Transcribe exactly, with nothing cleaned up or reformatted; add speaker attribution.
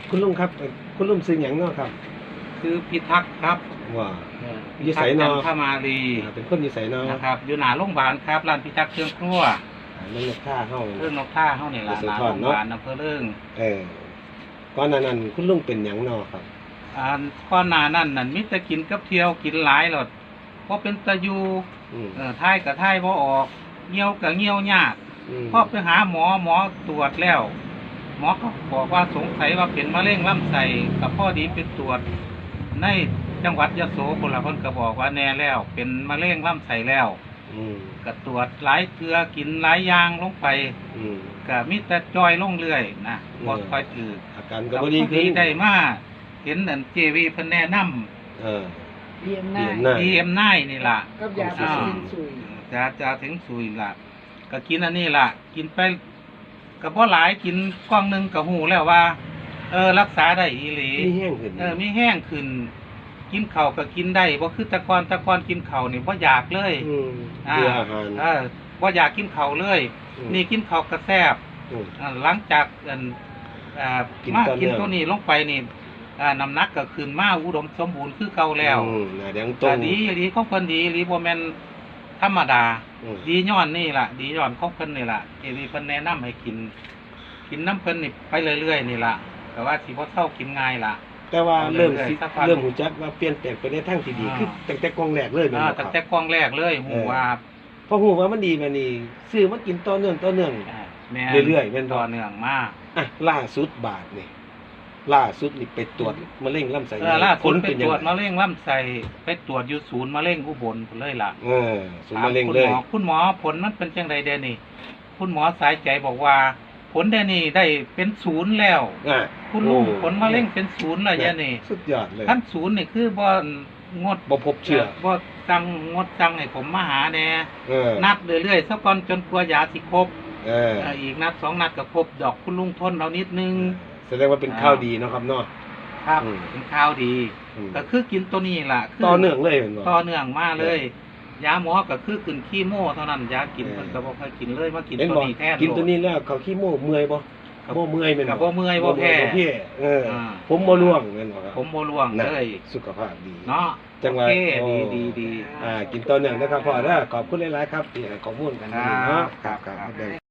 Speaker 1: คุณลุงครับเอ่อคุณลุงซื้อหยังเนาะครับ
Speaker 2: คือพิทักษ์ครับ
Speaker 1: ว่า
Speaker 2: เออ
Speaker 1: อ
Speaker 2: พิ
Speaker 1: ยู่ไส
Speaker 2: ทักษ์จั
Speaker 1: เนาะ
Speaker 2: นทมารี
Speaker 1: อ่าเป็นคนอยู่ไสเนาะ
Speaker 2: นะครับอยู่หน้าโรงพยาบาลครับร้านพิทักษ์เครื่องครัว
Speaker 1: อ่านั่นลูกค้าเฮา
Speaker 2: เรื่องนกท่าเฮานี่ล่ะ
Speaker 1: ยโส
Speaker 2: หน้า
Speaker 1: ธ
Speaker 2: โร
Speaker 1: รง
Speaker 2: พ
Speaker 1: เนาะ
Speaker 2: ยาบาลอำเภอเรื่อง
Speaker 1: เออก่อนหน้านั้นคุณลุงเป็นหยังเนาะครับ
Speaker 2: อ่าก่อนหน้านั้นนั่นมิแต่กินกับเที่ยวกินหลายหลดเพราะเป็นตะยู
Speaker 1: อืม
Speaker 2: เออท้ายกับท้ายบ่ออกเหี่ยวกับเหี่ยวยาก
Speaker 1: อืม
Speaker 2: พอไปหาหมอหมอตรวจแล้ว หมอก็บอกว่าสงสัยว่าเป็นมะเร็งลำไส้กับพ่อดีเป็นตรวจในจังหวัดยโสพลละคนก็บอกว่าแน่แล้ว เป็นมะเร็งลำไส้แล้ว
Speaker 1: อืม
Speaker 2: ก็ตรวจหลายเกลือกินหลายอย่างลงไป
Speaker 1: อืม
Speaker 2: ก็มีแต่จอยลงเรื่อยนะ
Speaker 1: อืม
Speaker 2: บ่ค่อยถือ
Speaker 1: อาการก็
Speaker 2: ก็
Speaker 1: บ่ดีขึ้น
Speaker 2: ได้มาเห็นอันเจวีเพิ่นแนะนำ
Speaker 1: เออ
Speaker 3: เรียนห
Speaker 1: เรี
Speaker 3: น้าย
Speaker 1: น
Speaker 2: ดีเอ็มไนนี่ล่ะ
Speaker 3: กับยา
Speaker 1: อ่า
Speaker 3: สีสินสุย
Speaker 2: จะจะถึงสุยล่ะ ก็กินอันนี้ล่ะ กินไปก็บ่หลายกินกล่องหนึงก็หูแล้วว่า เออรักษาได้อีหลี
Speaker 1: มีแห้งขึ้น
Speaker 2: เออมีแห้งขึ้น กินข้าวก็กินได้บ่คือแตะกอนแตะกอนกินข้าวนี่บ่อยากเลย
Speaker 1: อืมเบื่ออาหาร
Speaker 2: เออบ่อยากกินข้าวเลย
Speaker 1: อืม
Speaker 2: นี่กินข้าวก็แซ่บ
Speaker 1: อืม
Speaker 2: อ่าหลังจากอันอ่า
Speaker 1: กิน
Speaker 2: มา
Speaker 1: ต่อเนื่
Speaker 2: กิน
Speaker 1: อง
Speaker 2: ตัวนี้ลงไปนี่อ่าน้ำหนักก็ขึ้นมาอุดมสมบูรณ์คือเก่าแล้ว
Speaker 1: อืมหน้าแดงตร
Speaker 2: ก็
Speaker 1: ง
Speaker 2: ดีดีของเพิ่นดีหรือบ่แม่นธรรมดา
Speaker 1: อืม
Speaker 2: ดีย้อนนี่ล่ะ ดีย้อนของเพิ่นนี่ล่ะที่เพิ่นแนะนำให้กิน กินน้ำเพิ่นนี่ไปเรื่อยๆนี่ล่ะแต่ว่าสิบ่เท่ากินง่ายล่ะ
Speaker 1: แต่ว่าเริ่มสิ
Speaker 2: สักพัก
Speaker 1: เริ่มหูจักว่าเปลี่ยนแปลงไปในทางที่ดี
Speaker 2: อ่า
Speaker 1: คือตั้งแต่กล่องแรกเลยแม่น
Speaker 2: อ่า
Speaker 1: บ่ค
Speaker 2: ตั้
Speaker 1: รั
Speaker 2: ง
Speaker 1: บ
Speaker 2: แต่กล้องแรกเลยหูว่า
Speaker 1: พอหูว่ามันดีมานี่ซื้อมากินต่อเนื่องต่อเนื่อง
Speaker 2: อ่าแม่น
Speaker 1: เรื่อยๆแม่นบ่
Speaker 2: ต่อเนื่องมา
Speaker 1: อ่ะล่าสุดบาทนี่ล่าสุดนี่ไปตรวจมะเร็งลำไส้
Speaker 2: เออล่า
Speaker 1: ผ
Speaker 2: สุด
Speaker 1: ล
Speaker 2: ไป
Speaker 1: เป็น
Speaker 2: ต
Speaker 1: ยัง
Speaker 2: รวจ
Speaker 1: ไง
Speaker 2: มะเร็งลำไส้ไปตรวจอยู่ศูนย์มะเร็งอุบลพุ่นเลยล่ะ
Speaker 1: เออศูนย์มะเร็งเลย
Speaker 2: ถามคุณหมอคุณหมอผลมันเป็นจังไดเดยวนี่ คุณหมอสายใจบอกว่า ผลเดยวนี่ได้เป็นศูนย์แล้ว
Speaker 1: อ่ะ
Speaker 2: คุณลุง
Speaker 1: โอ้
Speaker 2: ผลมะเร็งเป็นศูนย์แล้วเดยวนี่
Speaker 1: สุดยอดเลย
Speaker 2: ขั้นศูนย์นี่คือบ่งด
Speaker 1: บ่พบเชื้อ
Speaker 2: บ่จังงดจังให้ผมมาหาแน่
Speaker 1: เออ
Speaker 2: นัดเรื่อยๆสักก่อนจนกลัวยาสิครบ
Speaker 1: เออ
Speaker 2: เอ่ออีกนัดสองนัดก็ครบดอกคุณลุงทนเรานิดนึง
Speaker 1: แสดงว่าเป็นข้าวดีเนาะครับเนาะ
Speaker 2: ครับ
Speaker 1: อืม
Speaker 2: เป็นข้าวดี
Speaker 1: อืม
Speaker 2: ก็คือกินตัวนี้ล่ะคื
Speaker 1: ต่อเนื่องเลยเป็นบ่
Speaker 2: ต่อเนื่องมาเลย ยาหมอก็คือกินขี้โม่เท่านั้นยากิน
Speaker 1: เออ
Speaker 2: มันก็บ่ค่อยกินเลยมากิน
Speaker 1: เห็น
Speaker 2: ตัว
Speaker 1: บ่
Speaker 2: นี้แทน
Speaker 1: กินตัวนี้แล้วเขาขี้โม่เมื่อยบ่
Speaker 2: ครับ
Speaker 1: บ่เมื่อยแม่น
Speaker 2: ก็บ่เมื่อยบ่แพ้
Speaker 1: บ่แพ้เอออา ผมบ่ร่วงแม่นบ่ครับ
Speaker 2: ผมบ่ร่วง
Speaker 1: นะ
Speaker 2: เลย
Speaker 1: สุขภาพดี
Speaker 2: เนาะ
Speaker 1: จังหวะ
Speaker 2: โอเค
Speaker 1: โอ้
Speaker 2: ดีดีดี
Speaker 1: อ่า กินต่อเนื่องนะครับพ่อเด้อขอบคุณหลายๆครับที่ให้ข้อมูลกันวันนี้เนาะครับครับ